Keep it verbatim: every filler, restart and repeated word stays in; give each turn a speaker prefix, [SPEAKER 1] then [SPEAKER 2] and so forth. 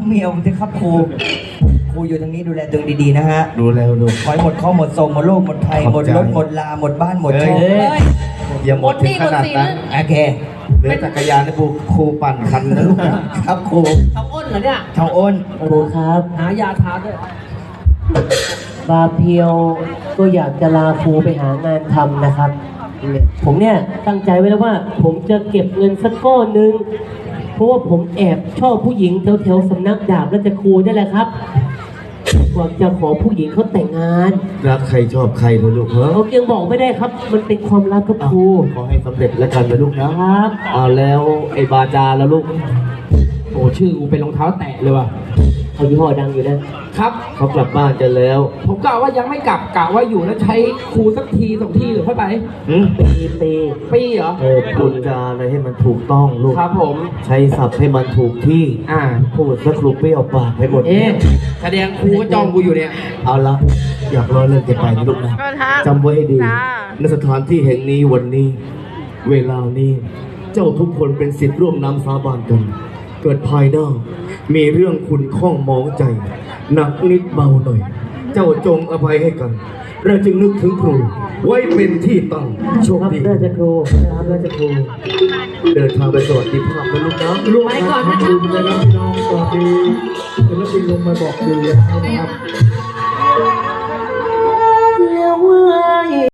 [SPEAKER 1] เมียผมจะครับครูครูอยู่ตรงนี้ดูแลตัวเองดีๆนะฮะ
[SPEAKER 2] ดูแล้วดู
[SPEAKER 1] ขอให้หมดข้อหมดทรงหมดโลกหมดภัยหมดรถหมดลาหมดบ้านหมดช่อง
[SPEAKER 2] อย่าหมดถึงขนาดนั้น
[SPEAKER 1] โอเค
[SPEAKER 2] เหลือจักรยานให้ครูปั่นคันนะลูกนะครับ
[SPEAKER 1] ครู
[SPEAKER 3] ทองอ้นเหรอเนี่ย
[SPEAKER 1] ทองอ้น
[SPEAKER 4] ครูครับ
[SPEAKER 3] หายาทาด้วย
[SPEAKER 4] บาเพียวก็อยากจะลาครูไปหางานทำนะครับ ผมเนี่ยตั้งใจไว้แล้วว่า ผมจะเก็บเงินสักก้อนหนึ่งเพราะว่าผมแอบชอบผู้หญิงแถวๆสำนักดาบราชครูนี่แหละครับหวังจะขอผู้หญิงเขาแต่งงาน
[SPEAKER 2] รักใครชอบใครนะลูกเหรอ
[SPEAKER 4] เขายังบอกไม่ได้ครับ มันเป็นความลับกับครู
[SPEAKER 2] ขอให้สำเร็จแล้วกันนะลูกนะครับเอาแล้วไอ้บาจาแล้วลูก
[SPEAKER 3] โอ้ชื่อกูเป็นรองเท้าแตะเลยว่ะ
[SPEAKER 4] เขายี่ห้อดังอยู่นะครับ
[SPEAKER 2] เขากลับบ้านกันแล้ว
[SPEAKER 3] ผมกะว่ายังไม่กลับกะว่าอยู่แล้วใช้ครูสักทีสองทีหรือค่อยไป
[SPEAKER 4] ปีปี
[SPEAKER 3] ปีเหรอ
[SPEAKER 2] เออพูดจาอะไรให้มันถูกต้องลูก
[SPEAKER 3] ครับผม
[SPEAKER 2] ใช้ศัพท์ให้มันถูกที่
[SPEAKER 3] อ่า
[SPEAKER 2] พูดสักครูเปรี้ยวปากไปหมด
[SPEAKER 3] เอ๊ะแสดงครูก็จ้องกูอยู่เนี่ย
[SPEAKER 2] เอาละอยากรอเรื่องจะไปนะลูกนะจำไว้ให้ดีณสถานที่แห่งนี้วันนี้เวลานี้เจ้าทุกคนเป็นศิษย์ร่วมน้ำสาบานกันเกิดภายหน้ามีเรื่องคุณข้องมองใจหนักนิดเบาหน่อยเจ้าจงอภัยให้กันเราจึงนึกถึงครูไว้เป็นที่ตั้งโชคดี
[SPEAKER 4] ราชครูครับราชครู
[SPEAKER 2] เดินทางไปสวัสดีภาพนะลูกนะ
[SPEAKER 3] ลูกไปก่อนนะครับ
[SPEAKER 2] นะครับพี่น้องสวัสดีศิลปินลงมาบอกดีนะครับ